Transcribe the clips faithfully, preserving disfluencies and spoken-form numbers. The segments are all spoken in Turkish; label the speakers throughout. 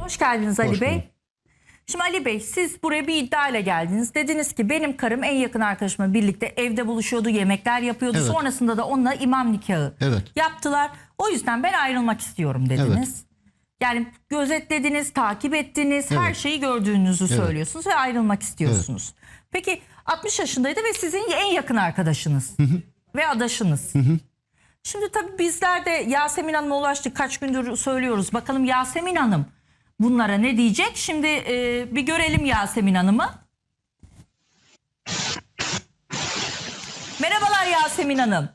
Speaker 1: Hoş geldiniz Ali
Speaker 2: Hoş
Speaker 1: Bey.
Speaker 2: bulduk.
Speaker 1: Şimdi Ali Bey, siz buraya bir iddiayla geldiniz. Dediniz ki benim karım en yakın arkadaşımla birlikte evde buluşuyordu, yemekler yapıyordu.
Speaker 2: Evet.
Speaker 1: Sonrasında da onunla imam nikahı
Speaker 2: Evet.
Speaker 1: yaptılar. O yüzden ben ayrılmak istiyorum dediniz. Yani gözetlediniz, takip ettiniz, her
Speaker 2: Evet.
Speaker 1: şeyi gördüğünüzü söylüyorsunuz ve ayrılmak istiyorsunuz. Peki altmış yaşındaydı ve sizin en yakın arkadaşınız ve adaşınız. Şimdi tabii bizler de Yasemin Hanım'a ulaştık. Kaç gündür söylüyoruz. Bakalım Yasemin Hanım bunlara ne diyecek? Şimdi e, bir görelim Yasemin Hanım'ı. Merhabalar Yasemin Hanım.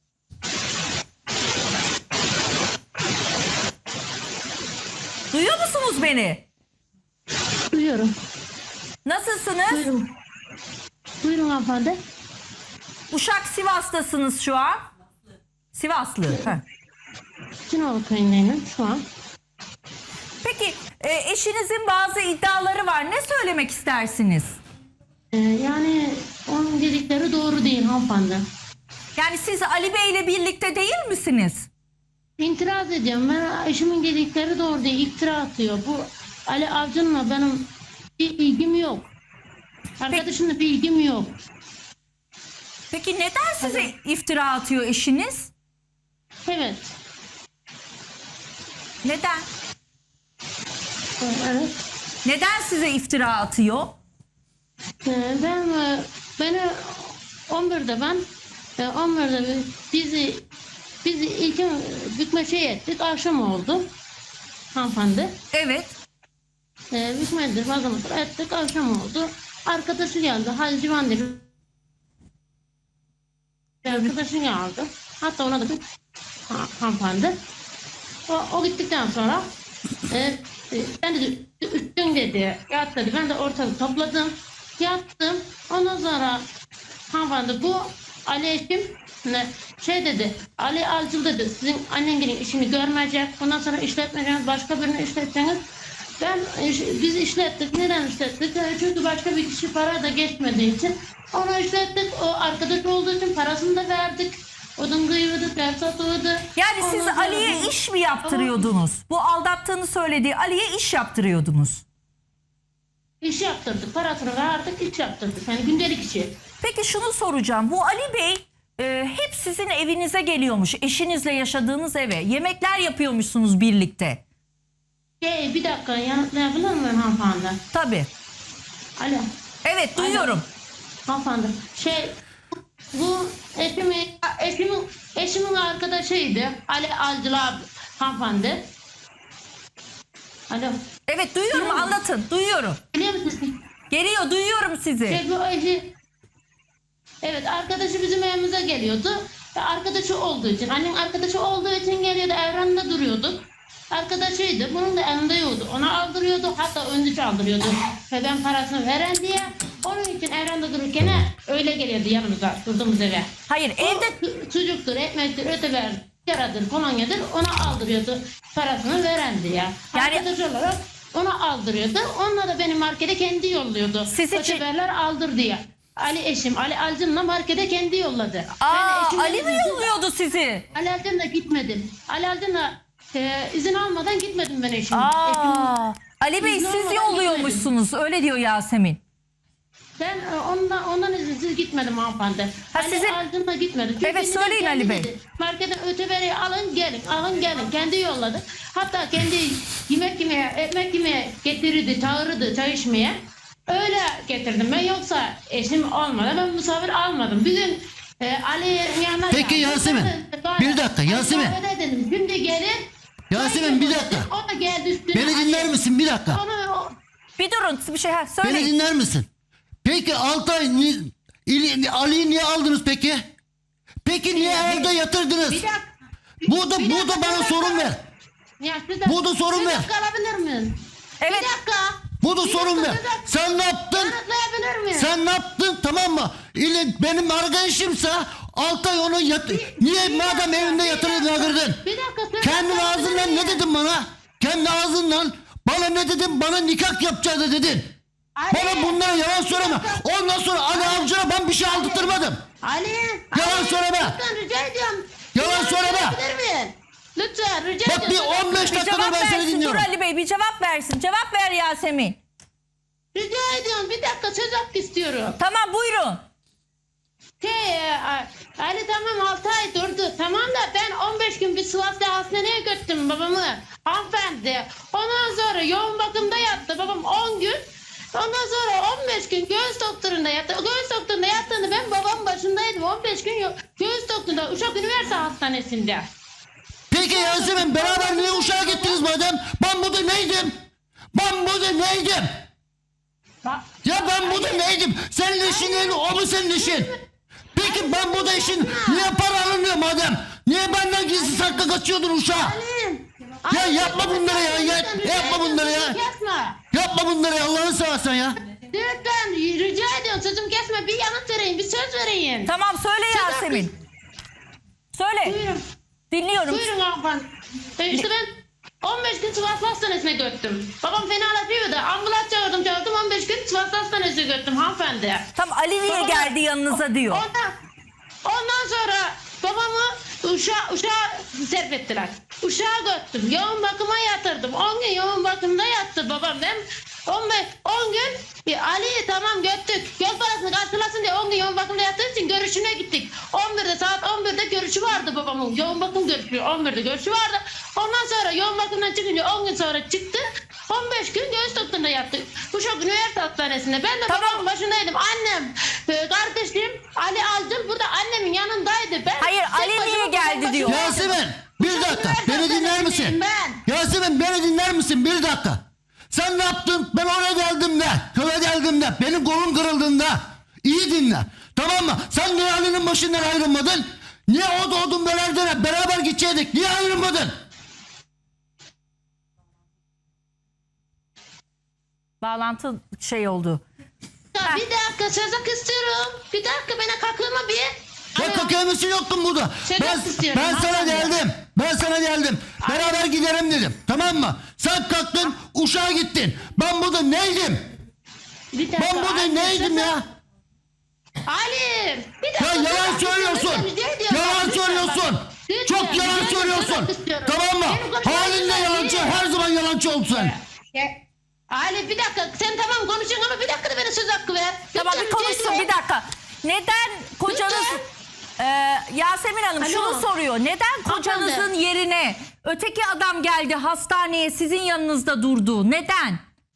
Speaker 1: Duyuyor musunuz beni?
Speaker 3: Duyuyorum.
Speaker 1: Nasılsınız?
Speaker 3: Buyurun. Buyurun hanımefendi.
Speaker 1: Uşak Sivas'tasınız şu an. Sivaslı. Heh.
Speaker 3: Cinoğlu köyündeyim şu an.
Speaker 1: Peki e, eşinizin bazı iddiaları var. Ne söylemek istersiniz?
Speaker 3: Ee, yani onun dedikleri doğru değil hanımefendi.
Speaker 1: Yani siz Ali Bey ile birlikte değil misiniz?
Speaker 3: İtiraz ediyorum. Ben eşimin dedikleri doğru değil. İftira atıyor. Bu Ali Avcı'nınla benim bir ilgim yok. Arkadaşımla bir ilgim yok.
Speaker 1: Peki neden size iftira atıyor eşiniz?
Speaker 3: Evet.
Speaker 1: Neden?
Speaker 3: Evet.
Speaker 1: Neden size iftira atıyor?
Speaker 3: Ee, ben e, beni on birde ben e, on birde bizi bizi ilk bükme şey ettik. Akşam oldu. Hanımefendi.
Speaker 1: Evet.
Speaker 3: Ee, Hükmettir fazla ettik, akşam oldu. Arkadaşı geldi, Halil Civan dedi. Arkadaşı geldi. Hatta ona da bir ha, hanımefendi. O, o gittikten sonra e, e, ben de üstün dedi, yat dedi. Ben de ortalığı topladım, yattım. Ondan sonra hanımefendi bu Ali eşim ne, şey dedi, Ali Alcıl dedi, sizin annenlerin işini görmeyecek. Bundan sonra işletmeyeceğiniz, başka birini işleteceğiniz. Ben biz işlettik. Neden işlettik? Çünkü başka bir kişi para da geçmediği için onu işlettik. O arkadaş olduğu için parasını da verdik. Odun kıyıyorduk, ders satıyorduk.
Speaker 1: Yani siz
Speaker 3: Ondan sonra
Speaker 1: Ali'ye
Speaker 3: bu-
Speaker 1: iş mi yaptırıyordunuz? Bu aldattığını söylediği Ali'ye iş yaptırıyordunuz.
Speaker 3: İş yaptırdık. Parasını verdik, iş yaptırdık. Yani gündelik işi.
Speaker 1: Peki şunu soracağım. Bu Ali Bey e, hep sizin evinize geliyormuş. Eşinizle yaşadığınız eve. Yemekler yapıyormuşsunuz birlikte.
Speaker 3: Şey, bir dakika yanıtlayabilir miyim hanımefendi?
Speaker 1: Tabii.
Speaker 3: Alo.
Speaker 1: Evet duyuyorum.
Speaker 3: Hanımefendi. Şey, bu eşimin, eşimin, eşimin arkadaşıydı. Ali Alcıl abi hanımefendi. Alo.
Speaker 1: Evet duyuyorum,
Speaker 3: Duyuyor musun?
Speaker 1: anlatın. Duyuyorum.
Speaker 3: Biliyor musunuz?
Speaker 1: Geliyor, duyuyorum sizi.
Speaker 3: Şey, bu eşi, evet arkadaşı bizim evimize geliyordu. Ve arkadaşı olduğu için, annem arkadaşı olduğu için geliyordu, evrende duruyorduk. Arkadaşıydı, bunun da elinde yoktu. Ona aldırıyordu, hatta öndüç aldırıyordu. Ve ben parasını veren diye, onun için evrende dururken öyle geliyordu yanımıza, durduğumuz eve.
Speaker 1: Hayır,
Speaker 3: O
Speaker 1: evde
Speaker 3: su- sucuktur, ekmektir, öteber, yaradır, kolonyadır, ona aldırıyordu parasını veren diye.
Speaker 1: Yani-
Speaker 3: Arkadaş olarak ona aldırıyordu. Onunla da beni markete kendi yolluyordu.
Speaker 1: Siz için-
Speaker 3: Öteberler aldır diye. Ali eşim, Ali Alcın'la markete kendi yolladı.
Speaker 1: Aa,
Speaker 3: eşimle
Speaker 1: Ali mi
Speaker 3: izin-
Speaker 1: yolluyordu sizi?
Speaker 3: Ali Alcın'la gitmedim. Ali Alcın'la e, izin almadan gitmedim ben eşim.
Speaker 1: Aa,
Speaker 3: Eşim-
Speaker 1: Ali Bey
Speaker 3: İzin
Speaker 1: siz
Speaker 3: olmadan
Speaker 1: yolluyormuşsunuz. Öyle diyor Yasemin.
Speaker 3: Ben e, ondan, ondan izinsiz gitmedim hanımefendi.
Speaker 1: Ha,
Speaker 3: Ali
Speaker 1: sizin-
Speaker 3: Alcın'la gitmedim. Çünkü
Speaker 1: Evet,
Speaker 3: neden?
Speaker 1: söyleyin
Speaker 3: Kendi
Speaker 1: Ali Bey.
Speaker 3: dedi, marketten öteberi alın gelin, alın gelin. Kendi yolladı. Hatta kendi yemek yemeye, ekmek yemeye getirirdi, çağırırdı çay içmeye. Öyle getirdim ben, yoksa eşim olmadı. Ben misafir almadım. Bir gün e, Ali'nin yanına
Speaker 2: Peki
Speaker 3: geldim.
Speaker 2: Yasemin,
Speaker 3: Ben-
Speaker 2: bir dakika, Yasemin.
Speaker 3: Ali kahvede dedim, şimdi gelin.
Speaker 2: Yasemin,
Speaker 3: çay
Speaker 2: bir
Speaker 3: yapalım
Speaker 2: dakika.
Speaker 3: dedim. O da geldi üstüne.
Speaker 2: Beni
Speaker 3: Ali-
Speaker 2: dinler misin bir dakika?
Speaker 3: Onu, o-
Speaker 1: Bir durun bir şey ha,
Speaker 2: Beni
Speaker 1: söyleyin.
Speaker 2: dinler misin? Peki Altay ni- İli- Ali'yi niye aldınız peki? Peki niye evde yatırdınız?
Speaker 3: bir dakika.
Speaker 2: Burada
Speaker 3: bir
Speaker 2: burada
Speaker 3: dakika,
Speaker 2: bana
Speaker 3: bir
Speaker 2: sorun
Speaker 3: dakika.
Speaker 2: ver.
Speaker 3: Ya siz de-
Speaker 2: Burada sorun
Speaker 3: bir
Speaker 2: ver.
Speaker 3: dakika alabilir miyim?
Speaker 1: Evet.
Speaker 3: Bir dakika.
Speaker 2: Burada
Speaker 3: Bir
Speaker 2: sorun
Speaker 3: dakika,
Speaker 2: ver.
Speaker 3: bir dakika.
Speaker 2: Sen ne yaptın?
Speaker 3: Yanıtlayabilir miyim?
Speaker 2: Sen ne yaptın, tamam mı? İle benim arkadaşımsa Altay onu yat niye
Speaker 3: bir
Speaker 2: madem
Speaker 3: dakika,
Speaker 2: evinde
Speaker 3: bir
Speaker 2: yatırdın
Speaker 3: dakika.
Speaker 2: yatırdın?
Speaker 3: Bir dakika, söz
Speaker 2: Kendi
Speaker 3: hakkı
Speaker 2: ağzından
Speaker 3: alabilir
Speaker 2: ne
Speaker 3: miyim?
Speaker 2: dedin bana? Kendi ağzından bana ne dedin? Bana nikah yapacağız dedin.
Speaker 3: Ali,
Speaker 2: Bana bunlara yalan söyleme. Ondan sonra Ali Avcı'na ben bir şey aldırtırmadım.
Speaker 3: Ali.
Speaker 2: Yalan
Speaker 3: Ali,
Speaker 2: söyleme.
Speaker 3: lütfen rica ediyorum.
Speaker 2: Yalan
Speaker 3: Bir
Speaker 2: söyleme.
Speaker 3: yanıtlayabilir miyim? Lütfen rica
Speaker 2: Bak bir
Speaker 3: ediyorum.
Speaker 2: on beş
Speaker 1: Bir
Speaker 2: dakikadır
Speaker 1: cevap
Speaker 2: ben seni
Speaker 1: versin. Dur
Speaker 2: dinliyorum.
Speaker 1: Ali Bey bir cevap versin. Cevap ver Yasemin.
Speaker 3: Rica ediyorum bir dakika söz hakkı istiyorum.
Speaker 1: Tamam buyurun.
Speaker 3: Şey, e, Ali tamam altı ay durdu. Tamam da ben on beş gün bir Sivas'ta hastaneye götürdüm babamı. Hanımefendi. Ondan sonra yoğun bakımda yattı babam on gün. Ondan sonra on beş gün göğüs doktorunda yattı. O göğüs doktorunda yattığında ben babamın başındaydım. on beş gün yo- göğüs doktorunda Uşak Üniversite Hastanesi'nde.
Speaker 2: Peki Yasemin beraber niye Uşak'a gittiniz madem? Ben burada neydim? Ben burada neydim?
Speaker 3: Bak,
Speaker 2: Ya ben burada neydim? Senin işin neydi? O mu senin işin? Peki ben burada işin niye para alınıyor madem? Niye benden gizli saklı kaçıyordun Uşak'a?
Speaker 3: Alim.
Speaker 2: Ya
Speaker 3: Alim,
Speaker 2: yapma bunları ya, ya-
Speaker 3: rica
Speaker 2: yapma
Speaker 3: ediyorum,
Speaker 2: bunları ya.
Speaker 3: sözümü Kesme.
Speaker 2: Yapma bunları ya, Allah'ını seversen ya.
Speaker 3: Lütfen rica ediyorum sözümü kesme. Bir yanıt vereyim, bir söz vereyim.
Speaker 1: Tamam söyle
Speaker 3: Söz
Speaker 1: Yasemin. Söyle.
Speaker 3: Buyurun.
Speaker 1: Dinliyorum.
Speaker 3: Buyurun hanımefendi. E işte ben on beş gün Sivas Hastanesi'ne götürdüm. Babam fenalaşıyordu. Ambulans çağırdım çağırdım on beş gün Sivas Hastanesi'ne götürdüm hanımefendi.
Speaker 1: Tam Ali niye
Speaker 3: Babam-
Speaker 1: geldi yanınıza diyor.
Speaker 3: Ondan, ondan sonra babamı uşağa, uşağa sevk ettiler. Uşağa götürdüm. Yoğun bakıma yatırdım. on gün yoğun bakımda yattı babam. Ben on beş, on gün bir Ali'yi tamam götürdük. Yol parasını karşılasın diye on gün yoğun bakımda yattığı için görüşüne gittik. on birde saat on birde görüşü vardı babamın. Yoğun bakım görüşü on birde görüşü vardı. Ondan sonra yoğun bakımdan çıkınca on gün sonra çıktı. on beş gün göğüs doktorunda yattı. Uşak Üniversite Hastanesi'nde. Ben de
Speaker 1: Tamam.
Speaker 3: babamın başındaydım. Annem, e, kardeşim Ali Alcıl burada annemin yanındaydı. Ben
Speaker 1: Hayır,
Speaker 3: tek
Speaker 1: Ali
Speaker 3: başıma
Speaker 1: niye
Speaker 3: babamın
Speaker 1: geldi
Speaker 3: başındaydım.
Speaker 1: diyor.
Speaker 2: Yasemin bir dakika beni dinler misin?
Speaker 3: Ben.
Speaker 2: Yasemin beni dinler misin bir dakika? Sen ne yaptın? Ben oraya geldim de, köye geldim de, benim kolum kırıldığında. İyi dinle. Tamam mı? Sen niye Ali'nin başından ayrılmadın? Niye o doğdun belerden beraber gidecektik? Niye ayrılmadın?
Speaker 1: Bağlantı şey oldu.
Speaker 3: Ya bir dakika söz hakkı istiyorum. Bir dakika bana kakılma bir.
Speaker 2: Ya
Speaker 3: Alo.
Speaker 2: kakemisi yoktun burada.
Speaker 3: Sedat
Speaker 2: Ben,
Speaker 3: istiyorum,
Speaker 2: ben sana
Speaker 3: hanımefendi.
Speaker 2: geldim. Ben sana geldim. Beraber gidelim dedim. Tamam mı? Sen kalktın Uşak'a gittin. Ben burada neydim?
Speaker 3: Bir dakika.
Speaker 2: Ben burada
Speaker 3: Ali,
Speaker 2: neydim
Speaker 3: söz-
Speaker 2: ya?
Speaker 3: Ali. Bir
Speaker 2: Ya
Speaker 3: dakika. söz
Speaker 2: yalan
Speaker 3: hakkı
Speaker 2: söylüyorsun.
Speaker 3: istiyorum. Rica ediyorum.
Speaker 2: Yalan
Speaker 3: Lütfen
Speaker 2: söylüyorsun.
Speaker 3: bak. Lütfen,
Speaker 2: Çok
Speaker 3: rica
Speaker 2: yalan
Speaker 3: ediyorum, söz
Speaker 2: söylüyorsun.
Speaker 3: hakkı istiyorum.
Speaker 2: Tamam mı?
Speaker 3: Benim konuşmam
Speaker 2: Halinde
Speaker 3: lazım.
Speaker 2: yalancı. Her zaman yalancı olsun.
Speaker 3: Ya, Ali bir dakika sen tamam konuşuyorsun ama bir dakika da bana söz hakkı ver.
Speaker 1: Tamam
Speaker 3: Lütfen,
Speaker 1: bir konuşsun
Speaker 3: rica
Speaker 1: bir
Speaker 3: ediyorum.
Speaker 1: dakika. Neden kocanız...
Speaker 3: Lütfen.
Speaker 1: Ee, Yasemin Hanım
Speaker 3: Alo.
Speaker 1: şunu soruyor. Neden kocanızın
Speaker 3: Hanımefendi.
Speaker 1: yerine öteki adam geldi hastaneye sizin yanınızda durdu? Neden?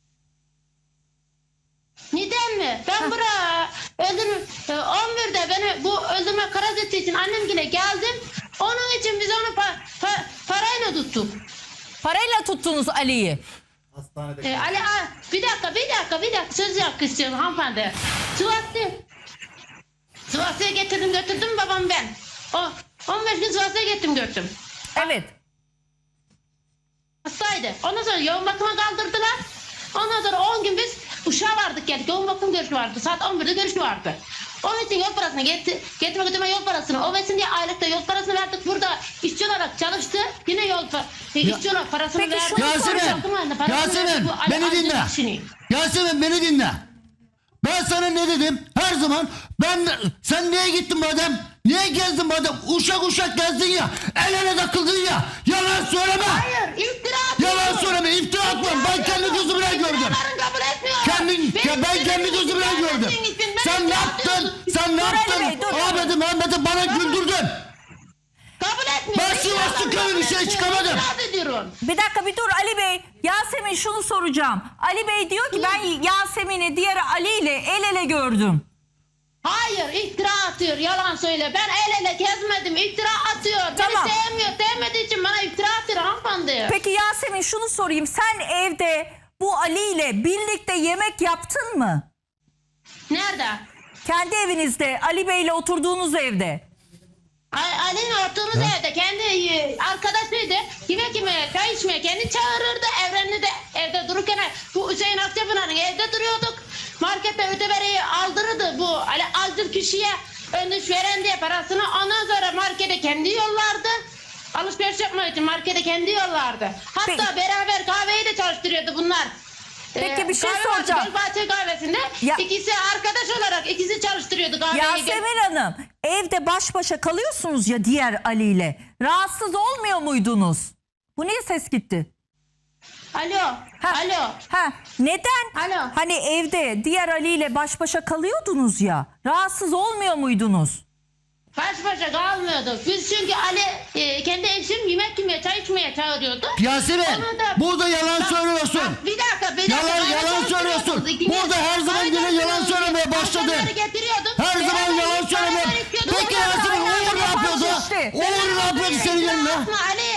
Speaker 3: Neden mi? Ben buraya öldürme, on birde beni bu öldürme karar ettiği için annemgile geldim. Onun için biz onu pa, pa, parayla tuttuk.
Speaker 1: Parayla tuttunuz Ali'yi.
Speaker 3: Ee, Ali a, bir dakika bir dakika bir dakika söz hakkı istiyorum hanımefendi. Sivas'ta Sivas'a getirdim götürdüm babam ben. O on beş gün Sivas'a getirdim götürdüm.
Speaker 1: Evet.
Speaker 3: Hastaydı. Ondan sonra yoğun bakıma kaldırdılar. Ondan sonra on gün biz Uşak'a vardık geldik. Yoğun bakım görüşü vardı. Saat on birde görüşü vardı. Onun için yol parasını getir, getirme götürme yol parasını. O versin diye aylıkta yol parasını verdik. Burada işçi olarak çalıştı. Yine yol pa- işçi olarak parasını
Speaker 1: Peki
Speaker 3: verdik.
Speaker 1: şunu
Speaker 2: Yasemin,
Speaker 3: Yoğun bakım halinde parasını
Speaker 2: Yasemin
Speaker 3: verdik. Bu Ali
Speaker 2: beni
Speaker 3: Alcıl
Speaker 2: dinle.
Speaker 3: işini.
Speaker 2: Yasemin beni dinle. Ben sana ne dedim? Her zaman ben sen niye gittin madem? Niye gezdin madem? Uşak uşak gezdin ya. El ele takıldın ya. Yalan söyleme.
Speaker 3: Hayır iftira atıyorsun.
Speaker 2: Yalan söyleme. İftira atma. Ben kendi gözümle gördüm.
Speaker 3: İftiralarını kabul etmiyorum.
Speaker 2: Kendin,
Speaker 3: Benim
Speaker 2: ya ben kendi
Speaker 3: istediğim
Speaker 2: gözümle
Speaker 3: için
Speaker 2: gördüm.
Speaker 3: vermediğin için ben
Speaker 2: Sen ne
Speaker 3: iftira
Speaker 2: yaptın?
Speaker 3: atıyorsun.
Speaker 2: Sen ne
Speaker 1: Dur Ali
Speaker 2: yaptın?
Speaker 1: Bey, dur.
Speaker 2: Ahmet'i Mehmet'i bana güldürdün.
Speaker 3: Kabul etmiyorum.
Speaker 2: Ben Sivaslı
Speaker 3: İftiralarını
Speaker 2: köyün
Speaker 3: kabul
Speaker 2: bir şey
Speaker 3: etmiyorum.
Speaker 2: çıkamadım.
Speaker 3: İtiraz ediyorum.
Speaker 1: Bir dakika bir dur Ali Bey. Yasemin şunu soracağım. Ali Bey diyor ki ben Yasemin'i diğer Ali ile el ele gördüm.
Speaker 3: Hayır iftira atıyor yalan söyle. Ben el ele gezmedim iftira atıyor.
Speaker 1: Tamam.
Speaker 3: Beni sevmiyor sevmediği için bana iftira atıyor hanımefendi.
Speaker 1: Peki Yasemin şunu sorayım. Sen evde bu Ali ile birlikte yemek yaptın mı?
Speaker 3: Nerede?
Speaker 1: Kendi evinizde Ali Bey ile oturduğunuz evde.
Speaker 3: A- Ali'nin oturduğumuz evde kendi e, arkadaşıydı. Yemek yemeye, çay içmeye kendi çağırırdı. Evrenli de evde dururken bu Hüseyin Akçapınar'ın evde duruyorduk. Markette ötebereyi aldırırdı bu Ali Alcıl kişiye öndüş veren diye parasını. Ondan sonra markete kendi yollardı. Alışveriş yapmak için markete kendi yollardı. Hatta
Speaker 1: Peki.
Speaker 3: beraber kahveyi de çalıştırıyordu bunlar.
Speaker 1: Peki bir şey
Speaker 3: kahve vardı,
Speaker 1: soracağım.
Speaker 3: Gölbahçe kahvesinde
Speaker 1: Ya-
Speaker 3: ikisi arkadaş olarak ikisi çalıştırıyordu kahveyi.
Speaker 1: Yasemin Hanım, evde baş başa kalıyorsunuz ya diğer Ali ile. Rahatsız olmuyor muydunuz? Bu niye ses gitti?
Speaker 3: Alo.
Speaker 1: Ha.
Speaker 3: Alo.
Speaker 1: Ha, neden?
Speaker 3: Alo.
Speaker 1: Hani evde diğer Ali ile baş başa kalıyordunuz ya. Rahatsız olmuyor muydunuz?
Speaker 3: Baş başa kalmıyorduk. Biz çünkü Ali e, kendi eşim yemek yemeye, çay içmeye çağırıyordu.
Speaker 2: Yasemin
Speaker 3: Onu da-
Speaker 2: burada yalan
Speaker 3: Bak,
Speaker 2: söylüyorsun.
Speaker 3: bak, bir dakika, bir dakika.
Speaker 2: Yalan-
Speaker 3: Kahve
Speaker 2: yalan
Speaker 3: çalıştırıyordunuz.
Speaker 2: söylüyorsun.
Speaker 3: İkiniz-
Speaker 2: Burada her zaman
Speaker 3: kahve
Speaker 2: yine yalan
Speaker 3: çalıştırıyordunuz.
Speaker 2: söylemeye başladın.
Speaker 3: Alkolleri getiriyordum.
Speaker 2: Her zaman
Speaker 3: Beraber
Speaker 2: yalan
Speaker 3: yiyip beraber
Speaker 2: söyleme.
Speaker 3: içiyorduk.
Speaker 2: Peki
Speaker 3: Ondan
Speaker 2: Yasemin
Speaker 3: sonra
Speaker 2: Uğur ne
Speaker 3: yalan
Speaker 2: yapıyordu?
Speaker 1: işte.
Speaker 2: Uğur ne yapıyordu senin
Speaker 3: İftira
Speaker 2: yanına?
Speaker 3: atma Ali.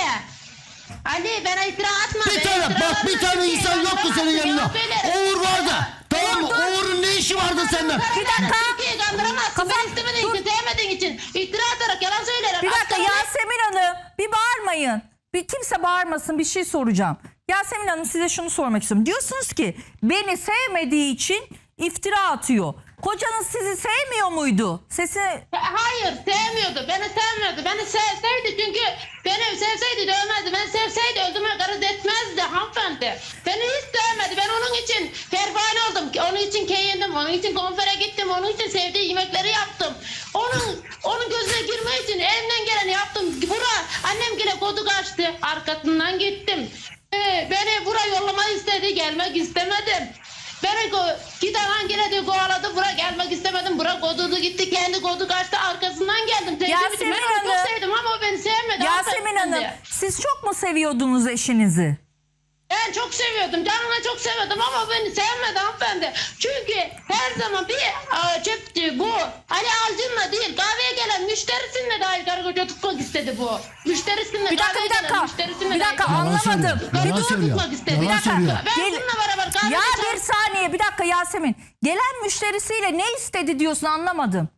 Speaker 3: Ali bana iftira atma.
Speaker 2: Bir
Speaker 3: Ben
Speaker 2: tane
Speaker 3: iftira
Speaker 2: bak bir
Speaker 3: atmam
Speaker 2: tane
Speaker 3: çünkü
Speaker 2: insan yoktu senin
Speaker 3: yalan
Speaker 2: yanında.
Speaker 3: söylerim.
Speaker 2: Uğur vardı. Tamam mı? Uğur'un ne işi vardı senden?
Speaker 1: Bir dakika.
Speaker 3: Türkiye'yi kandıramazsın.
Speaker 1: Kafam-
Speaker 3: Ben istemediğin için, sevmediğin için iftira atarak yalan söylerim.
Speaker 1: Bir dakika
Speaker 3: Aslanım-
Speaker 1: Yasemin Hanım, bir bağırmayın. Bir kimse bağırmasın, bir şey soracağım. Yasemin Hanım, size şunu sormak istiyorum. Diyorsunuz ki beni sevmediği için iftira atıyor. Kocanız sizi sevmiyor muydu? Sesini
Speaker 3: Hayır, sevmiyordu. Beni sevmiyordu. Beni sevseydi çünkü beni sevseydi dövmezdi. Ben sevseydi öldürme garız etmezdi hanımefendi. Beni hiç sevmedi. Ben onun için pervane oldum. Onun için keyindim. Onun için konfere gittim. Onun için sevdiği yemekleri yaptım. Onun onun gözüne girmek için elimden geleni yaptım. Bura annem yine kodu kaçtı. Arkasından gittim. Ee, beni bura yollamayı istedi. Gelmek istemedim. Beni go giden hangine de kovaladı. Bura gelmek istemedim. Bura kodudu gitti. Kendi kodu kaçtı. Arkasından geldim. Sevdiğim için
Speaker 1: Yasemin
Speaker 3: ben onu
Speaker 1: Hanım.
Speaker 3: çok sevdim ama o beni sevmedi.
Speaker 1: Yasemin
Speaker 3: hanımefendi.
Speaker 1: Hanım, siz çok mu seviyordunuz eşinizi?
Speaker 3: Ben çok seviyordum. Canına çok seviyordum ama o beni sevmedi hanımefendi. Çünkü her zaman bir aa, çöptü bu. Ali Alcın'la değil, kahveye gelen müşterisinle dahi karı koca tutmak istedi bu. Müşterisinle
Speaker 1: Bir dakika,
Speaker 3: kahveye
Speaker 1: bir dakika.
Speaker 3: gelen müşterisinle
Speaker 1: Bir
Speaker 3: dahi
Speaker 1: dakika,
Speaker 2: Yalan
Speaker 1: anlamadım.
Speaker 2: söylüyor.
Speaker 1: Bir
Speaker 2: Yalan
Speaker 1: dur.
Speaker 2: söylüyor.
Speaker 3: tutmak istedi.
Speaker 2: Yalan
Speaker 3: Bir dakika.
Speaker 2: söylüyor.
Speaker 3: Ben
Speaker 1: Gel-
Speaker 3: bununla beraber kahvede
Speaker 1: Ya
Speaker 3: çay-
Speaker 1: bir saniye, bir dakika Yasemin. Gelen müşterisiyle ne istedi diyorsun, anlamadım.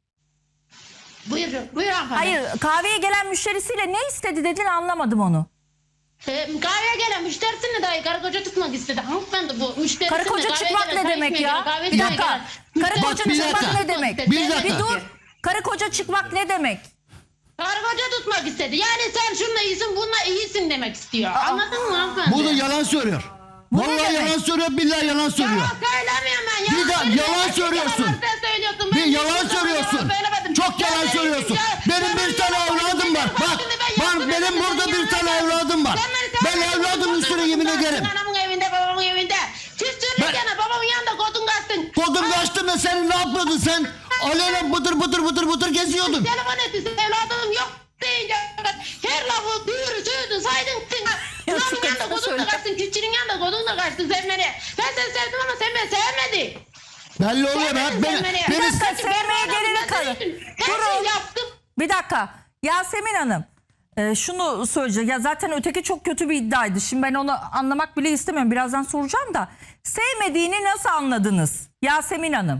Speaker 3: Buyur, buyur hanımefendi.
Speaker 1: Hayır, kahveye gelen müşterisiyle ne istedi dedin, anlamadım onu.
Speaker 3: Ee, kahveye gelen müşterisini dahi karı koca tutmak istedi. Hanımefendi bu müşterisini
Speaker 1: Karı koca
Speaker 3: kahveye
Speaker 1: çıkmak
Speaker 3: gelen,
Speaker 1: ne
Speaker 3: çay
Speaker 1: demek
Speaker 3: içmeye
Speaker 1: ya?
Speaker 3: gelen, kahveye
Speaker 1: Bir
Speaker 3: çay
Speaker 1: dakika.
Speaker 3: gelen
Speaker 1: Karı
Speaker 3: müşterisini
Speaker 1: koca
Speaker 2: bir
Speaker 1: çıkmak
Speaker 2: dakika.
Speaker 1: ne demek?
Speaker 3: istedi.
Speaker 2: Bir dakika.
Speaker 1: Bir dur. Karı koca çıkmak ne demek?
Speaker 3: Karı koca tutmak istedi. Yani sen şununla iyisin, bununla iyisin demek istiyor. Anladın mı hanımefendi?
Speaker 2: Burada yalan söylüyor.
Speaker 1: Bu ne
Speaker 2: Vallahi
Speaker 1: demek?
Speaker 2: yalan söylüyor, billahi yalan söylüyor.
Speaker 3: Yalan söylemiyorum ben.
Speaker 2: Bir
Speaker 3: Yalan
Speaker 2: de
Speaker 3: söylüyorum.
Speaker 2: yalan
Speaker 3: Ben
Speaker 2: söylüyorsun.
Speaker 3: yalan sen söylüyorsun.
Speaker 2: Bir
Speaker 3: Ben
Speaker 2: yalan
Speaker 3: hiçbir zaman
Speaker 2: söylüyorsun.
Speaker 3: yalan söylemedim.
Speaker 2: Çok
Speaker 3: Ya
Speaker 2: yalan
Speaker 3: benim
Speaker 2: söylüyorsun.
Speaker 3: ya-
Speaker 2: Benim
Speaker 3: sen
Speaker 2: bir
Speaker 3: beni
Speaker 2: tane
Speaker 3: yaptın,
Speaker 2: evladım
Speaker 3: sen
Speaker 2: var.
Speaker 3: beni
Speaker 2: Bak,
Speaker 3: yaptın, ben
Speaker 2: bak
Speaker 3: yaptım,
Speaker 2: benim
Speaker 3: ben
Speaker 2: burada
Speaker 3: yaptım,
Speaker 2: bir tane
Speaker 3: yalan
Speaker 2: evladım var.
Speaker 3: Sen beni
Speaker 2: Ben
Speaker 3: sevmedin,
Speaker 2: evladımın üstüne
Speaker 3: kodun
Speaker 2: yemin
Speaker 3: kaçtın,
Speaker 2: ederim.
Speaker 3: Anamın evinde, babamın evinde. Siz sürürken babamın yanında kodun kaçtın.
Speaker 2: Kodum kaçtı mı, sen ne yapıyordun sen? Aleyna bıdır bıdır bıdır bıdır geziyordun.
Speaker 3: Telefon etti, evladım yok deyince her lafı duyuru sözü saydın.
Speaker 1: Ya şu
Speaker 3: Babamın yanında
Speaker 1: kadına
Speaker 3: kodun
Speaker 1: söyle.
Speaker 3: da kaçtın, çiftçinin yanında kodun da kaçtın sen beni. Ben seni sevdim ama sen beni sevmedin.
Speaker 2: Belli oluyor ben.
Speaker 3: Sevmedin
Speaker 2: Beni,
Speaker 3: sen beni.
Speaker 2: beni,
Speaker 1: Bir dakika,
Speaker 3: Ben
Speaker 1: sevmeye
Speaker 3: bu
Speaker 1: gelene
Speaker 3: adamı
Speaker 1: kadar.
Speaker 3: sevdim. Her
Speaker 1: Durun.
Speaker 3: şeyi yaptım.
Speaker 1: Bir dakika. Yasemin Hanım, e, şunu söyleyeceğim. Ya zaten öteki çok kötü bir iddiaydı. Şimdi ben onu anlamak bile istemiyorum. Birazdan soracağım da. Sevmediğini nasıl anladınız Yasemin Hanım?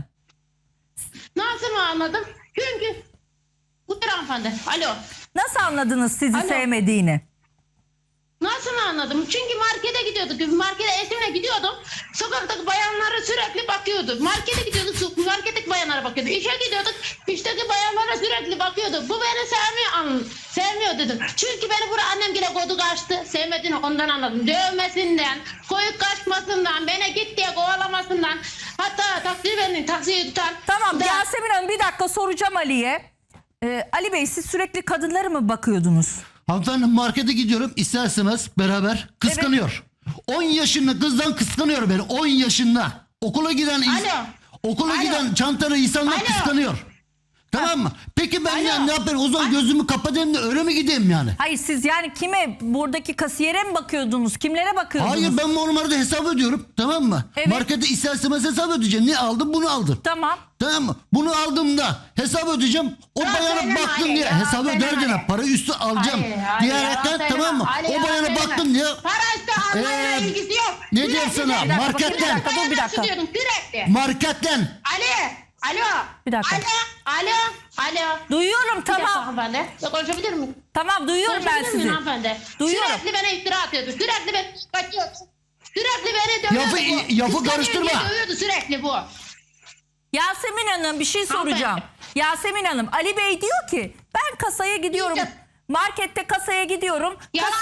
Speaker 3: Nasıl mı anladım? Çünkü bu bir hanımefendi. Alo.
Speaker 1: Nasıl anladınız sizi
Speaker 3: Alo.
Speaker 1: sevmediğini?
Speaker 3: Nasıl mı anladım? Çünkü markete gidiyorduk. Markete eşimle gidiyordum. Sokaktaki bayanlara sürekli bakıyordu. Markete gidiyorduk. Marketteki bayanlara bakıyordu. İşe gidiyorduk. İşteki bayanlara sürekli bakıyordu. Bu beni sevmiyor. An sevmiyor dedim. Çünkü beni buraya annem bile kodu kaçtı. Sevmediğini ondan anladım. Dövmesinden, koyup kaçmasından, beni git diye kovalamasından. Hatta taksi beni taksiyi tutan.
Speaker 1: Tamam
Speaker 3: da-
Speaker 1: Yasemin Hanım, bir dakika soracağım Ali'ye. Ee, Ali Bey, siz sürekli kadınlara mı bakıyordunuz?
Speaker 2: hanımefendi markete gidiyorum, isterseniz beraber kıskanıyor. on yaşında kızdan kıskanıyor beni, on yaşında. Okula giden ins-
Speaker 3: Alo.
Speaker 2: okula
Speaker 3: Alo.
Speaker 2: giden çantalı insanlar
Speaker 3: Alo.
Speaker 2: kıskanıyor. Tamam mı? Peki ben
Speaker 3: Alo.
Speaker 2: ya ne yapayım? O zaman gözümü kapatayım da öyle mi gideyim yani?
Speaker 1: Hayır, siz yani kime, buradaki kasiyere mi bakıyordunuz? Kimlere bakıyordunuz?
Speaker 2: Hayır, ben bu numarada hesap ödüyorum, tamam mı?
Speaker 1: Evet.
Speaker 2: Markete isterseniz hesap ödeyeceğim. Ne aldım? Bunu aldım.
Speaker 1: Tamam.
Speaker 2: Tamam mı? Bunu aldığımda hesap ödeyeceğim. O
Speaker 3: Yalan
Speaker 2: bayana
Speaker 3: söyleme
Speaker 2: baktım
Speaker 3: Ali,
Speaker 2: diye
Speaker 3: yalan
Speaker 2: hesap
Speaker 3: söyleme
Speaker 2: öderken
Speaker 3: Ali.
Speaker 2: para üstü alacağım.
Speaker 3: Hayır, hayır,
Speaker 2: Diyerekten
Speaker 3: yalan
Speaker 2: tamam mı?
Speaker 3: söyleme. Ali,
Speaker 2: O bayana
Speaker 3: yalan
Speaker 2: baktım
Speaker 3: söyleme.
Speaker 2: diye.
Speaker 3: Para işte almayla
Speaker 2: Ee,
Speaker 3: ilgisi yok.
Speaker 2: ne
Speaker 3: Sürekli
Speaker 2: diyeyim sana?
Speaker 3: de-
Speaker 1: Bir dakika,
Speaker 2: Marketten.
Speaker 1: bir dakika, dur bir dakika.
Speaker 3: Sürekli, Sürekli.
Speaker 2: Marketten.
Speaker 3: Ali. Alo.
Speaker 1: Bir dakika.
Speaker 3: Alo. Alo. Alo.
Speaker 1: Duyuyorum,
Speaker 3: Bir dakika
Speaker 1: tamam.
Speaker 3: hanımefendi. Ya konuşabilir miyim?
Speaker 1: Tamam, duyuyorum ben
Speaker 3: Konuşabilir miyim
Speaker 1: sizi.
Speaker 3: hanımefendi?
Speaker 1: Duyuyorum.
Speaker 3: Sürekli bana iftira atıyordu. Sürekli beni kaçıyordu. Sürekli beni dövüyordu
Speaker 2: Lafı-
Speaker 3: bu.
Speaker 2: lafı
Speaker 3: Kıskanıyor
Speaker 2: karıştırma.
Speaker 3: diye Dövüyordu sürekli bu.
Speaker 1: Yasemin Hanım, bir şey soracağım.
Speaker 3: Hanımefendi.
Speaker 1: Yasemin Hanım, Ali Bey diyor ki ben kasaya gidiyorum.
Speaker 3: Yok.
Speaker 1: Markette kasaya gidiyorum. Kas-
Speaker 3: Yalan.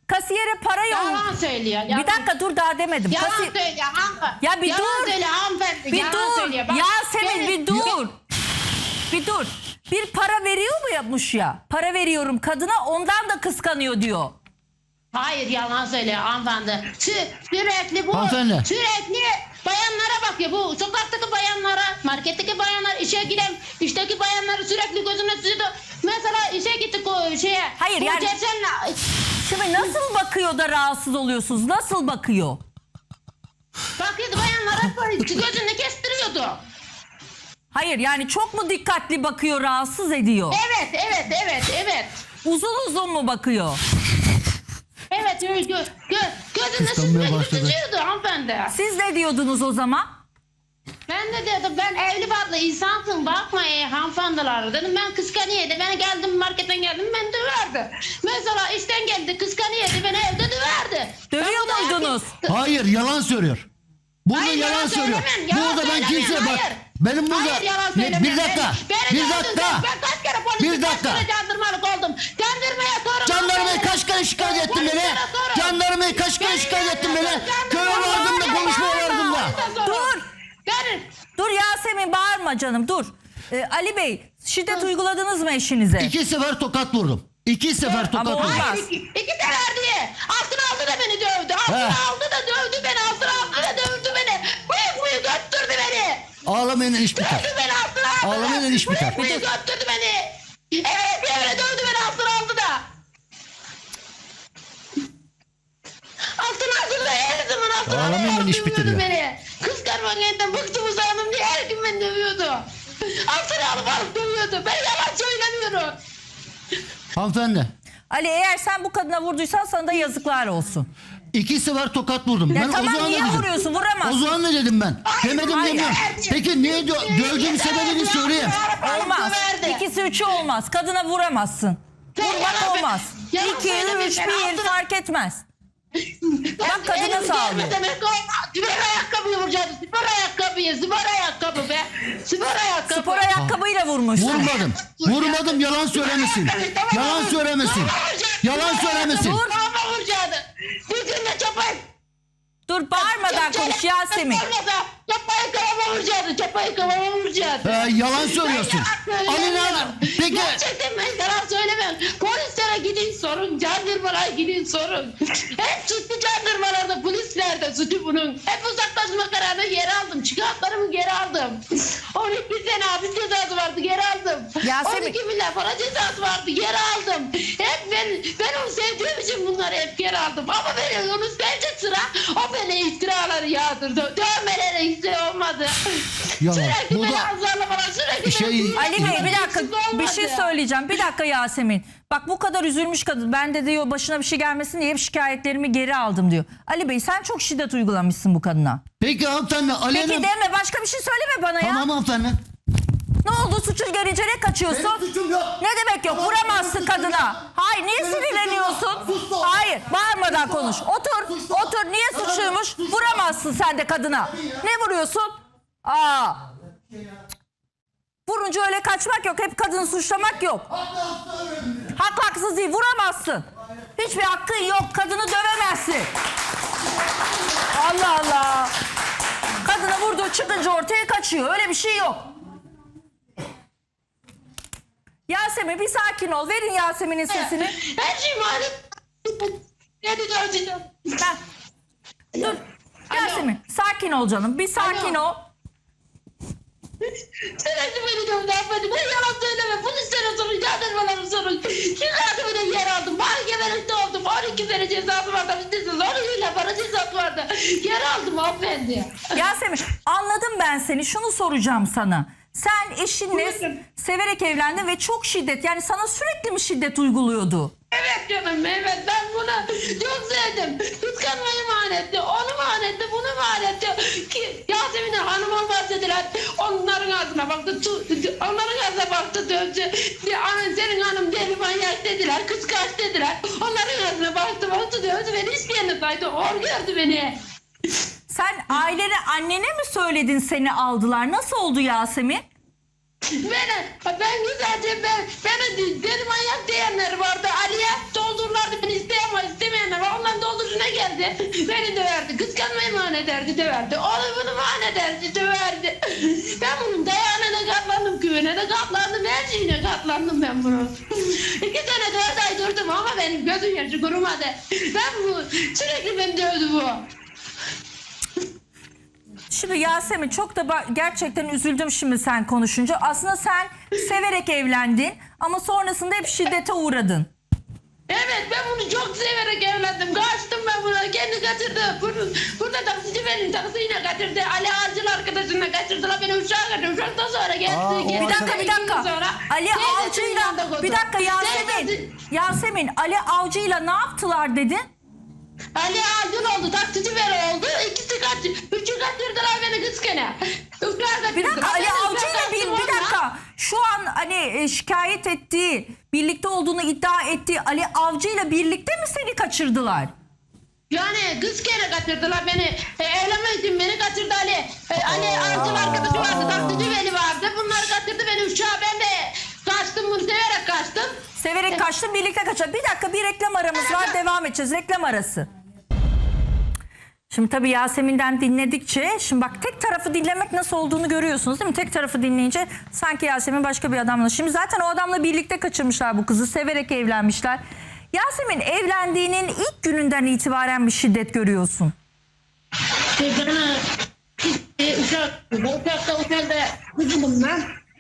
Speaker 1: Kasiyere para yolla.
Speaker 3: Yalan söylüyor.
Speaker 1: Bir
Speaker 3: Yalan,
Speaker 1: dakika dur daha demedim.
Speaker 3: yalan
Speaker 1: Kasi-
Speaker 3: söylüyor hanımefendi.
Speaker 1: Ya bir
Speaker 3: yalan
Speaker 1: dur.
Speaker 3: söylüyor hanımefendi.
Speaker 1: Bir
Speaker 3: yalan
Speaker 1: dur.
Speaker 3: söylüyor. Bak,
Speaker 1: Yasemin
Speaker 3: beni-
Speaker 1: bir dur. Bir dur. Bir para veriyor mu yapmış ya? Para veriyorum kadına ondan da kıskanıyor diyor.
Speaker 3: Hayır yalan söylüyor hanımefendi. Sü- sürekli bu
Speaker 2: Hanımefendi.
Speaker 3: sürekli bayanlara bakıyor. Bu sokaktaki bayanlara, marketteki bayanlar, işe giden, işteki bayanları sürekli gözüne sürdü. Mesela işe gittik o şeye.
Speaker 1: Hayır,
Speaker 3: bu
Speaker 1: yani-
Speaker 3: Cersen'le-
Speaker 1: Şimdi nasıl bakıyor da rahatsız oluyorsunuz? Nasıl bakıyor?
Speaker 3: bakıyordu bayanlara böyle gözünü kestiriyordu.
Speaker 1: Hayır yani çok mu dikkatli bakıyor, rahatsız ediyor?
Speaker 3: Evet, evet, evet, evet.
Speaker 1: Uzun uzun mu bakıyor?
Speaker 3: Evet, gö, gö, gö, gözünü
Speaker 2: Kıskanmaya
Speaker 3: sürekli
Speaker 2: başladı.
Speaker 3: tutuyordu hanımefendi.
Speaker 1: Siz ne diyordunuz o zaman?
Speaker 3: Ben de dedim ben evli barklı insansın bakma ey hanımefendiler dedim ben kıskanıyordu ben geldim marketten geldim ben döverdi. Mesela işten geldi kıskanıyordu beni evde döverdi.
Speaker 1: Dövüyor
Speaker 3: Ben bunu
Speaker 1: muydunuz?
Speaker 3: herkes-
Speaker 2: Hayır yalan söylüyor. Burada
Speaker 3: Hayır,
Speaker 2: yalan,
Speaker 3: yalan
Speaker 2: söylüyor.
Speaker 3: söylemem, yalan
Speaker 2: Burada ben
Speaker 3: söylemem,
Speaker 2: kimseye bak.
Speaker 3: hayır.
Speaker 2: Benim burada
Speaker 3: Hayır yalan
Speaker 2: bir,
Speaker 3: söylemem.
Speaker 2: bir dakika.
Speaker 3: Beni, beni
Speaker 2: bir
Speaker 3: de
Speaker 2: dakika.
Speaker 3: öldürdün. Ben kaç kere polise
Speaker 2: Bir dakika.
Speaker 3: kaç kere jandarmalık oldum. Jandarmaya sorun.
Speaker 2: Jandarmayı kaç kere şikayet ettin beni?
Speaker 3: Polislere sorun.
Speaker 2: Jandarmayı kaç kere
Speaker 3: Beni
Speaker 2: şikayet ettin beni?
Speaker 3: jandarma-
Speaker 2: Köye vardım da
Speaker 3: Jandarma-
Speaker 2: konuşmaya vardım da.
Speaker 3: Jandarma-
Speaker 1: Dur.
Speaker 3: Beni.
Speaker 1: Dur Yasemin bağırma canım dur. Ee, Ali Bey şiddet uyguladınız mı eşinize?
Speaker 2: İki sefer tokat vurdum. İki sefer tokat
Speaker 1: Ama
Speaker 2: vurdum.
Speaker 1: olmaz.
Speaker 3: Hayır, iki, iki sefer diye. Altına aldı da beni dövdü. Altına
Speaker 2: He.
Speaker 3: aldı da dövdü beni. Altına aldı da dövdü beni. Bıyık bıyık götürdü beni.
Speaker 2: Ağlamayın iş biter.
Speaker 3: Dövdü beni altına aldı.
Speaker 2: Ağlamayın iş biter.
Speaker 3: Bıyık bıyık götürdü beni. Evet evre dövdü beni altına aldı da. Altına aldı da her zaman altına aldı.
Speaker 2: Ağlamayın, iş
Speaker 3: dövüyordu
Speaker 2: bitiriyor.
Speaker 3: beni. Kıskanmaktan bıktım usandım diye her gün beni dövüyordu. Altına alıp alıp dövüyordu. Ben yalan söylemiyorum.
Speaker 2: Hanımefendi.
Speaker 1: Ali eğer sen bu kadına vurduysan sana da yazıklar olsun.
Speaker 2: İki sefer tokat vurdum.
Speaker 1: Ya
Speaker 2: ben
Speaker 1: tamam,
Speaker 2: o zaman
Speaker 1: niye
Speaker 2: ne dedim?
Speaker 1: vuruyorsun? Vuramazsın.
Speaker 2: O zaman ne dedim ben?
Speaker 3: Hayır,
Speaker 2: Demedim
Speaker 3: hayır,
Speaker 2: demiyorum.
Speaker 3: hayır.
Speaker 2: Peki niye dö- dövdüğüm sebebini söyleyeyim.
Speaker 1: Olmaz.
Speaker 3: Döverdi.
Speaker 1: İkisi üçü olmaz. Kadına vuramazsın.
Speaker 3: Sen
Speaker 1: Vurmak
Speaker 3: yalan-
Speaker 1: olmaz.
Speaker 3: yalan
Speaker 1: İki,
Speaker 3: söyleme,
Speaker 1: üç,
Speaker 3: sen
Speaker 1: bir
Speaker 3: altına-
Speaker 1: fark etmez. Bak kadına
Speaker 3: Elimi
Speaker 1: sağlıyor.
Speaker 3: gelme demek olmaz. Spor ayakkabıyı vuracağız. Spor ayakkabıyı. Spor ayakkabı be. Spor ayakkabı.
Speaker 1: Spor ayakkabıyla vurmuş.
Speaker 2: Vurmadım. Vurmadım yalan söylemesin. Yalan söylemesin. Yalan söylemesin.
Speaker 1: Vur.
Speaker 3: Kafama vuracaktı. Bir gün de çapayı.
Speaker 1: Dur bağırmadan konuş Yasemin.
Speaker 3: Çapayı kafama vuracaktı. Çapayı kafama vuracaktı.
Speaker 2: Ee, yalan söylüyorsun. Ali nerede? Peki
Speaker 3: Gerçekten ben yalan söylemem. Polislere gidin sorun. Jandarmalara gidin sorun. Hep suçlu jandarmalarda, polislerde suçu bunun. Hep uzaklaşma kararını geri aldım. Çıkartlarımı geri aldım. on iki sene hapis cezası vardı geri aldım.
Speaker 1: Yasemin-
Speaker 3: on iki milyar para cezası vardı geri aldım. Hep ben, ben onu sevdiğim için bunları hep geri aldım. Ama beni onu sevecek sıra o beni iftiraları yağdırdı. Dövmelere hiç şey olmadı.
Speaker 2: Yalan.
Speaker 3: Sürekli
Speaker 2: Bu
Speaker 3: beni
Speaker 2: da-
Speaker 3: azarlamalar, sürekli
Speaker 2: Şey-
Speaker 3: beni-
Speaker 1: Ali Bey bir dakika
Speaker 3: Hiç
Speaker 1: bir
Speaker 3: olmadı.
Speaker 1: şey söyleyeceğim. Bir dakika Yasemin. Bak bu kadar üzülmüş kadın. Ben de diyor başına bir şey gelmesin diye hep şikayetlerimi geri aldım diyor. Ali Bey sen çok şiddet uygulamışsın bu kadına.
Speaker 2: Peki hanımefendi
Speaker 1: Peki
Speaker 2: Ali'nin...
Speaker 1: deme başka bir şey söyleme bana ya.
Speaker 2: Tamam hanımefendi.
Speaker 1: Ne oldu suçun gelince ne kaçıyorsun?
Speaker 2: Benim suçum yok.
Speaker 1: Ne demek yok?
Speaker 2: Tamam,
Speaker 1: Vuramazsın
Speaker 2: benim suçum
Speaker 1: kadına.
Speaker 2: yok.
Speaker 1: Hayır niye
Speaker 2: Benim
Speaker 1: sinirleniyorsun?
Speaker 2: suçum yok. Sus da.
Speaker 1: Hayır bağırmadan
Speaker 2: Sus da.
Speaker 1: konuş. Otur
Speaker 2: Sus da.
Speaker 1: otur niye
Speaker 2: Tamam,
Speaker 1: suçluymuş?
Speaker 2: sus da.
Speaker 1: Vuramazsın sen de kadına. Ne vuruyorsun? Aa. Vurunca öyle kaçmak yok. Hep kadını suçlamak yok. Haklı haksız değil. Vuramazsın. Hiçbir hakkın yok. Kadını dövemezsin. Allah Allah. Kadına vurduğu çıkınca ortaya kaçıyor. Öyle bir şey yok. Yasemin bir sakin ol. Verin Yasemin'in sesini.
Speaker 3: Her şey malum. Ne diyeceğim?
Speaker 1: Ben. Dur. Yasemin sakin ol canım. Bir sakin
Speaker 3: Alo.
Speaker 1: ol.
Speaker 3: Sürekli beni dövdü hanımefendi. Ben yalan söyleme. Polislere sorun, jandarmalara sorun. Çıkardı beni yer aldım. Mahkemelikte oldum. on iki sene cezası vardı. on ile para cezası vardı. Yer aldım hanımefendi.
Speaker 1: Yasemin anladım ben seni. Şunu soracağım sana. Sen eşinle
Speaker 3: Buyurun.
Speaker 1: severek evlendin ve çok şiddet yani sana sürekli mi şiddet uyguluyordu?
Speaker 3: Evet canım evet ben bunu çok sevdim. Kıskanmayı manetti, onu manetti, bunu manetti. Ki Yasemin'e hanıma bahsettiler. Onların ağzına baktı, tu, onların ağzına baktı dövdü. Anan senin hanım deli manyak dediler, kıskanç dediler. Onların ağzına baktı, baktı dövdü beni hiçbir yerine saydı. Or gördü beni.
Speaker 1: Sen ailene annene mi söyledin seni aldılar? Nasıl oldu Yasemin?
Speaker 3: Beni, ben güzelce ben, beni deli manyak diyenler vardı. Ali'ye doldururlardı beni isteyen var istemeyenler var. Ondan dolduruşuna geldi. Beni döverdi. Kıskanmayı mani ederdi döverdi. Onu bunu mani ederdi döverdi. Ben bunun dayağına da katlandım. Küvene de katlandım. Her şeyine katlandım ben bunun. İki sene dört ay durdum ama benim gözüm yaşı kurumadı. Ben bu sürekli beni dövdü bu.
Speaker 1: Şimdi Yasemin çok da ba- gerçekten üzüldüm şimdi sen konuşunca. Aslında sen severek evlendin ama sonrasında hep şiddete uğradın.
Speaker 3: Evet ben bunu çok severek evlendim. Kaçtım ben buna. Kendi kaçırdı. Bunu, burada taksici benim taksiyle kaçırdı. Ali Avcı'nın arkadaşına kaçırdılar. Beni uçağa kaçırdı. Uçaktan sonra geldi.
Speaker 2: Aa, o
Speaker 3: geldi.
Speaker 1: Bir dakika bir dakika.
Speaker 3: Sonra
Speaker 1: Ali
Speaker 3: teyzesinin
Speaker 1: Avcı'yla
Speaker 3: yanında koydu.
Speaker 1: bir dakika Yasemin.
Speaker 3: Teyzesi-
Speaker 1: Yasemin Ali Avcı'yla ne yaptılar dedin?
Speaker 3: Ali Avcı'nın oldu. Taksici beni oldu. İkisi kaç. Üçü kaçırdılar beni kız gene. Uçağa
Speaker 1: Bir dakika
Speaker 3: kaçırdılar.
Speaker 1: Ali
Speaker 3: Ben
Speaker 1: Avcı'yla
Speaker 3: uçağa
Speaker 1: bir,
Speaker 3: kaçtım
Speaker 1: bir
Speaker 3: onunla.
Speaker 1: dakika. Şu an hani e, şikayet ettiği, birlikte olduğunu iddia ettiği Ali Avcı'yla birlikte mi seni kaçırdılar?
Speaker 3: Yani kız kere kaçırdılar beni. E, evlenmek için beni kaçırdı Ali. E, Ali Avcı'nın arkadaşı vardı. Taksici beni vardı. Bunlar kaçırdı beni uçağa. Ben de kaçtım bunu severek kaçtım.
Speaker 1: Severek kaçtın, birlikte kaçtın. Bir dakika bir reklam aramız var, devam edeceğiz. Reklam arası. Şimdi tabii Yasemin'den dinledikçe, şimdi bak tek tarafı dinlemek nasıl olduğunu görüyorsunuz değil mi? Tek tarafı dinleyince sanki Yasemin başka bir adamla. Şimdi zaten o adamla birlikte kaçırmışlar bu kızı, severek evlenmişler. Yasemin evlendiğinin ilk gününden itibaren bir şiddet görüyorsun.
Speaker 3: E, bana e, uçak, uçakta otelde kızım ben.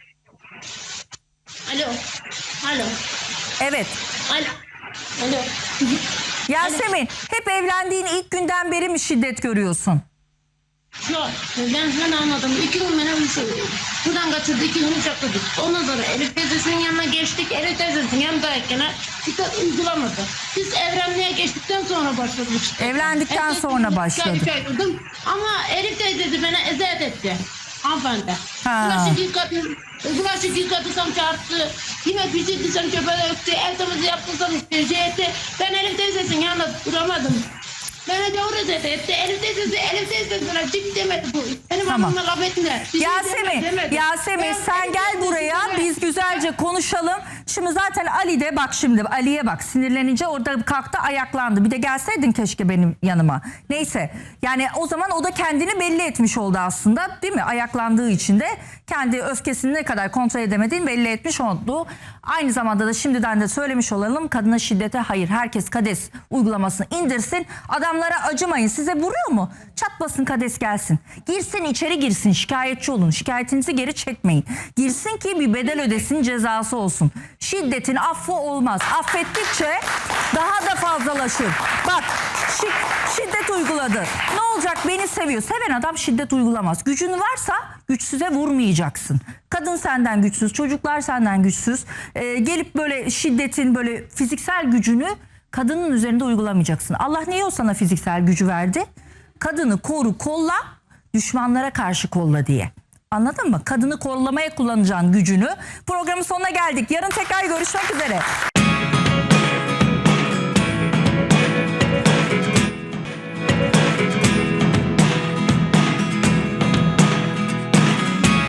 Speaker 3: Alo, alo,
Speaker 1: Evet.
Speaker 3: alo, alo.
Speaker 1: Yasemin hep evlendiğin ilk günden beri mi şiddet görüyorsun?
Speaker 3: Yok, ben sana anladım. İki gün bana bir şey oldu. Buradan kaçırdı, iki gün uçakladık. Ondan sonra Elif teyzesinin yanına geçtik. Elif teyzesinin yanındayken dikkat uygulamadı. Biz evlenmeye geçtikten sonra başladık işte.
Speaker 1: Evlendikten
Speaker 3: Elif
Speaker 1: sonra
Speaker 3: teyzesini
Speaker 1: başladı.
Speaker 3: üç ay durdum. Ama Elif teyzesi bana eziyet etti. Hanımefendi.
Speaker 1: Ha.
Speaker 3: Bulaşık yıkadı. Bulaşık yıkadıysam çarptı. Yine pişirdiysem çöpe döktü. El temizliği yaptıysam işte şey etti. Ben Elif teyzesinin yanında duramadım. Bana doğru eziyet etti. Elif teyzesi, Elif teyzesine çık demedi bu. Benim
Speaker 1: Tamam.
Speaker 3: anamla laf etme. Bir şey
Speaker 1: Yasemin,
Speaker 3: demedi.
Speaker 1: Yasemin
Speaker 3: Ben
Speaker 1: sen
Speaker 3: Elif
Speaker 1: gel
Speaker 3: teyzesine-
Speaker 1: buraya, biz güzelce konuşalım. Şimdi zaten Ali de bak şimdi Ali'ye bak, sinirlenince orada kalktı ayaklandı. Bir de gelseydin keşke benim yanıma. Neyse yani o zaman o da kendini belli etmiş oldu aslında değil mi? Ayaklandığı için de kendi öfkesini ne kadar kontrol edemediğini belli etmiş oldu. Aynı zamanda da şimdiden de söylemiş olalım, kadına şiddete hayır, herkes KADES uygulamasını indirsin. Adamlara acımayın. Size vuruyor mu? Çatlasın KADES gelsin. Girsin içeri girsin, şikayetçi olun. Şikayetinizi geri çekmeyin. Girsin ki bir bedel ödesin, cezası olsun. Şiddetin affı olmaz. Affettikçe daha da fazlalaşır. Bak şi- şiddet uyguladı. Ne olacak, beni seviyor. Seven adam şiddet uygulamaz. Gücün varsa güçsüze vurmayacaksın. Kadın senden güçsüz, çocuklar senden güçsüz. Ee, gelip böyle şiddetin böyle fiziksel gücünü kadının üzerinde uygulamayacaksın. Allah niye o sana fiziksel gücü verdi? Kadını koru, kolla, düşmanlara karşı kolla diye. Anladın mı? Kadını kollamaya kullanacağın gücünü. Programın sonuna geldik. Yarın tekrar görüşmek üzere.